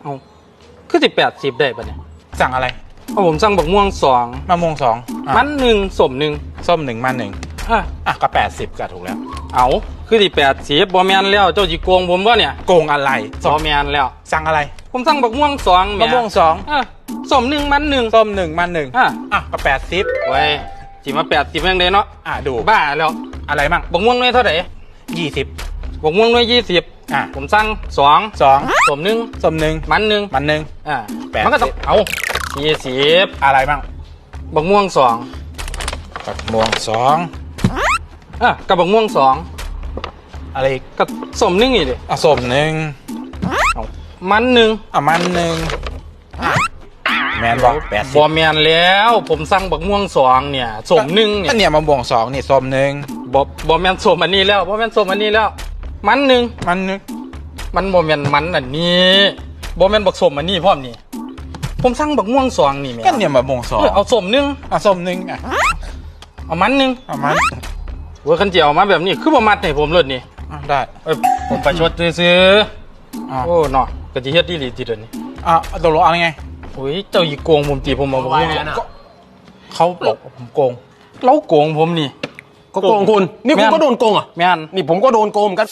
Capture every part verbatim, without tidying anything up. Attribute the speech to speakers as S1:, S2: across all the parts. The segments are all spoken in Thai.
S1: เอาคือสิแปดสิบได้ปะเนี่ย
S2: สั่งอะไร
S1: เอาผมสั่งบักม่วงสอง
S2: มะม่วงสอง
S1: มันหนึ่งสมหนึ่ง
S2: ส้มหนึ่งมันหนึ่ง
S1: อ่ะ
S2: อ่ะก็แปดสิบก็ถูกแล้ว
S1: เอาคือสิแปดสิบบอแมนแล้วเจ้าจีโกงผมวะเนี่ย
S2: โกงอะไร
S1: บอแมนแล้ว
S2: สั่งอะไร
S1: ผมสั่งบักม่วงสอง
S2: มะม่วงสอง
S1: อ่ะสมหนึ่งมันหนึ่ง
S2: ส้มหนึ่งมันหนึ่ง
S1: อ่ะ
S2: อ่ะก็แปดสิบ
S1: ไว้จีมาแปดสิบยังไงเนาะ
S2: อ่ะดู
S1: บ้าแล้ว
S2: อะไรมั่ง
S1: บักม่วงน้อยเท่าไหร่
S2: ยี่สิบ
S1: บักม่วงน้อยยี่สิบ
S2: อ่ะ
S1: ผมสั่งสอง
S2: สอง
S1: สมหนึ่ง
S2: ส้มหนึ่ง
S1: มันหนึ่ง
S2: มันหนึ่ง
S1: อ่ะ
S2: แปด
S1: มันก็ต้องเอายี่สิบ
S2: อะไรมั่ง
S1: บักม่วงสอง
S2: บักม่วงสอง
S1: อ่ะกับบักม่วงสอง
S2: อะไร
S1: กับสมหนึ่งอีกดิ
S2: อ่ะส้มหนึ่ง
S1: เอามันหนึ่ง
S2: อ่ะมันหนึ่งแมนบอกแปดสิบบ
S1: อแมนแล้วผมสั่งบักม่วงสองเนี่ยสมหนึ่งเนี่ย
S2: เนี่ยมะม่วงสองนี่ส้มหนึ่ง
S1: บอบอแมนสมอันนี้แล้วบอแมนสมอันนี้แล้วมันหนึ่ง
S2: มันหนึ่ง
S1: มันบอแมนมันอันนี้บอแมนบักสมอันนี้พร้อมนี่ผมสั่งบักม่วงสองนี่แม่
S2: ก็เนี่ยมะม่วงสอง
S1: เอาสมหนึ่ง
S2: อ่ะส้มหนึ่งอ่ะ
S1: เอามันหนึ่ง
S2: เอามัน
S1: เวอร์คันเจียวมาแบบนี้คือประมาทให้ผมเลยนี่
S2: ได้
S1: เอ้ยผมไปชดซื้อโอ้เนาะกะจิเฮ็ดดีหลีจิเดนี่
S2: อ่ะตกลงเอาไง
S1: โอ้ยเจ้าอีโกงผมตีผมมาบอกว่า
S2: เขาบอกผมโกง
S1: เราโกงผมนี่
S3: ก็โกงคุณนี่คุณก็โดนโกงอ่ะ
S1: แม่น
S3: นี่ผมก็โดนโกงกัน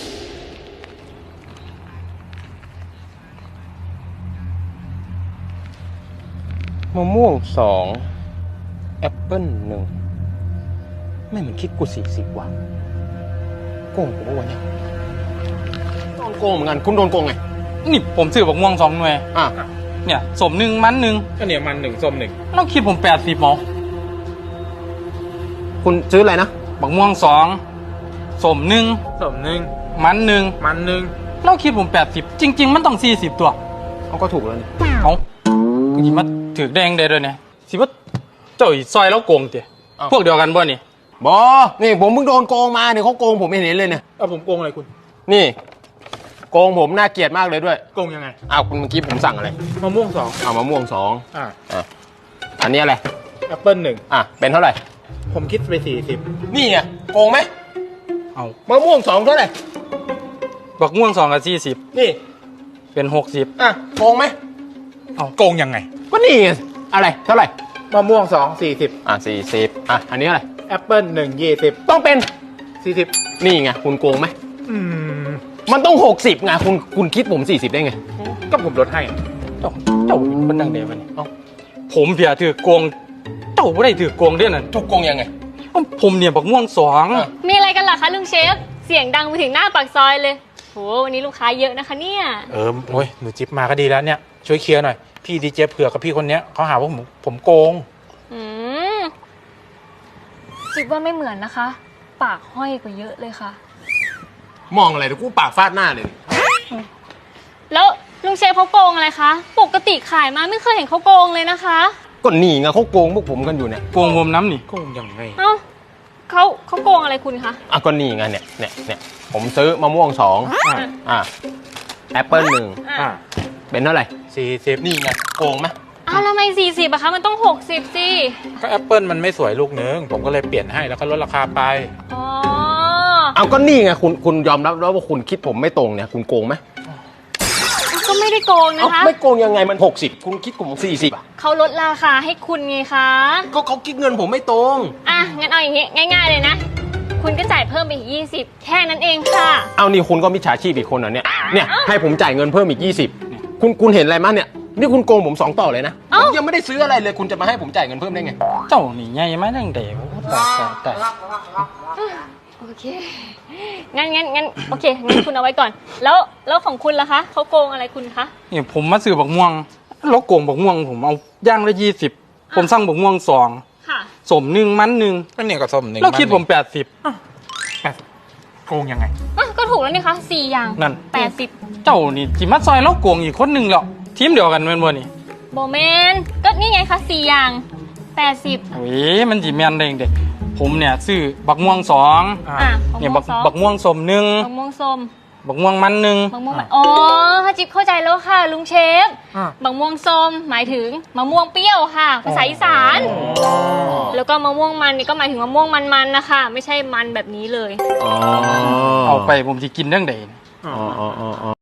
S3: มะม่วงสองแอปเปิ้ลหนึ่งไม่เหมือนคิดกูสี่สิบว่ะโกงผมว่าเนี่ยโดนโกงเหมือนกันคุณโดนโกงไง
S1: นี่ผมซื้อบักม่วงสองหน่วย
S3: อ่ะ
S1: เนี่ยสมหนึ่งมันหนึ่ง
S2: ก็เนี่ยมันหนึ่งส้มหนึ่ง
S1: เราคิดผมแปดสิบหมอ
S3: คุณซื้ออะไรนะ
S1: บักม่วงสองสมหนึ่ง
S2: ส้มหนึ่ง
S1: มันหนึ่ง
S2: มันหนึ่ง
S1: เราคิดผมแปดสิบจริงๆมันต้องสี่สิบตัว
S3: เขาก็ถูกแล้วนี่
S1: เอาสิมาถือแดงได้ด้วยเนี่ยสิว่าเจ้าอีซอยแล้วโกงเตี๋ยพวกเดียวกันบ่นี่
S3: บอนี่ผมเพิ่งโดนโกงมาเนี่ยเขาโกงผมไม่เห็นเลยเนี่ย
S2: เอาผมโกงอะไรคุณ
S3: นี่โกงผมน่าเกลียดมากเลยด้วย
S2: โกงยังไง
S3: อ้าวคุณเมื่อกี้ผมสั่งอะไร
S2: มะม่วงสอง
S3: อ้าวมะม่วงสอง
S2: อ่า
S3: อ่ะอันนี้อะไร
S2: แอปเปิ้ลหนึ่ง
S3: อ่ะเป็นเท่าไหร่
S2: ผมคิดไปสี่สิบ
S3: นี่ไงโกงไหม
S1: เอา
S3: มะม่วงสองเท่าไหร่
S1: บักม่วงสองกับสี่สิบ
S3: นี่
S1: เป็นหกสิบ
S3: อ่ะโกงไหม
S2: เอาโกงยังไง
S3: ก็นี่ไงอะไรเท่าไหร่
S2: มะม่วงสองสี่สิบ
S3: อ่ะสี่สิบอ่ะอันนี้อะไร
S2: แอปเปิ้ลหนึ่งยี่สิบ
S3: ต้องเป็น
S2: สี่สิบ
S3: นี่ไงคุณโกงไหม
S2: อืม
S3: มันต้องหกสิบไงคุณคุณคิดผมสี่สิบได้ไง
S2: ก็ผมลดให้
S1: เจ้าเจ้าเป็นดังเดียวนี่ผมเพียถือโกงเจ้าไม่ได้ถือโกงด้วยน่ะ
S3: ถูกโกงยังไง
S1: ผมเนี่ยบักม่วงสอง
S4: มีอะไรกันล่ะคะลุงเชฟเสียงดังไปถึงหน้าปากซอยเลยโหวันนี้ลูกค้าเยอะนะคะเนี่ย
S2: เออโอ้ยหนูจิ๊บมาก็ดีแล้วเนี่ยช่วยเคลียร์หน่อยพี่ดีเจเผือกกับพี่คนเนี้ยเขาหาว่าผมผมโกง
S4: อืมจิบว่าไม่เหมือนนะคะ ปากห้อยกว่าเยอะเลยค่ะ
S3: มองอะไรเดี๋ยวกูปากฟาดหน้าเลย
S4: แล้วลุงเชฟเขาโกงอะไรคะปกติขายมาไม่เคยเห็นเขาโกงเลยนะคะ
S3: ก็หนีไงเขาโกงพวกผมกันอยู่เนี่ย
S1: โกงผมน้ำนี่
S2: โกงยังไง
S4: เอ้าเขาเขาโกงอะไรคุณคะ
S3: อ่ะก็นี่ไงเนี่ยเนี่ยเนี่ยผมซื้อมะม่วงสองอ่ะแอปเปิ้ลหนึ่ง
S2: อ่า
S3: เป็นเท่าไหร่
S2: สี่สิบ
S3: นี่ไงโกงไหม
S4: อ้าวทำไมสี่สิบอะคะมันต้องหกสิบสิ
S2: ก็แอปเปิ้ลมันไม่สวยลูกนึงผมก็เลยเปลี่ยนให้แล้วก็ลดราคาไป
S4: อ๋อ
S3: เอาก็นี่ไงคุณคุณยอมรับแล้วว่าคุณคิดผมไม่ตรงเนี่ยคุณโกงไหม
S4: ก็ไม่ได้โกงนะคะ
S3: ไม่โกงยังไงมันหกสิบคุณคิดผมสี่สิบอ่ะ
S4: เขาลดราคาให้คุณไงคะ
S3: ก็เขาคิดเงินผมไม่ตรง
S4: อ่ะงั้นเอาอย่างงี้ง่ายๆเลยนะคุณก็จ่ายเพิ่มไปอีกยี่สิบแค่นั้นเองค่ะ
S3: เอานี่คุณก็มิจฉาชีพอีกคนเหรอเนี่ยเนี่ยให้ผมจ่ายเงินเพิ่มอีกยี่สิบคุณคุณเห็นอะไรมั้ยเนี่ยนี่คุณโกงผมสองต่อเลยนะผมยังไม่ได้ซื้ออะไรเลยคุณจะมาให้ผมจ่ายเงินเพิ่มได้ไง
S1: เจ้านี่ไงไม่ดังเดียวแต่แต่
S4: โอเคงั้นงั้นงั้นโอเคงั้นคุณเอาไว้ก่อนแล้วแล้วของคุณล่ะคะเขาโกงอะไรคุณคะ
S1: นี่ผมมาซื้อบักม่วงแล้วโกงบักม่วงผมเอาย่างละยี่สิบผมสั่งบักม่วงสองสมหนึ่งมันหนึ่ง
S2: ก็เนี่ยก็ส้มหนึ่ง
S1: แล้วคิดผมแปดสิบ
S2: โกงยังไง
S4: ก็ถูกแล้วนี่คะสี่อย่าง
S1: นั่น
S4: แปดสิบ
S1: เจ้านี่จิมัดซอยแล้วโกงอีกคนหนึ่งแล้วทีมเดียวกันเป็นบ่นี่
S4: โบแมนก็นี่ไงคะสี่อย่างแปดสิบ
S1: โอ้ยมันจีแมนได้เด็กผมเนี่ยซื้อบักม่วงสองเนี่ยบักบักม่วงสมหนึ่ง
S4: บักม่วงส้ม
S1: บักม่วงมันหนึ่ง
S4: บักม่วงอ๋อฮะจิ๊บเข้าใจแล้วค่ะลุงเชฟบักม่วงส้มหมายถึงมะม่วงเปรี้ยวค่ะภาษาอีสานแล้วก็มะม่วงมันนี่ก็หมายถึงมะม่วงมันๆนะคะไม่ใช่มันแบบนี้เลย
S1: เอาไปผมจะกินเรื่องใด
S3: อ๋ออ๋ออ๋อ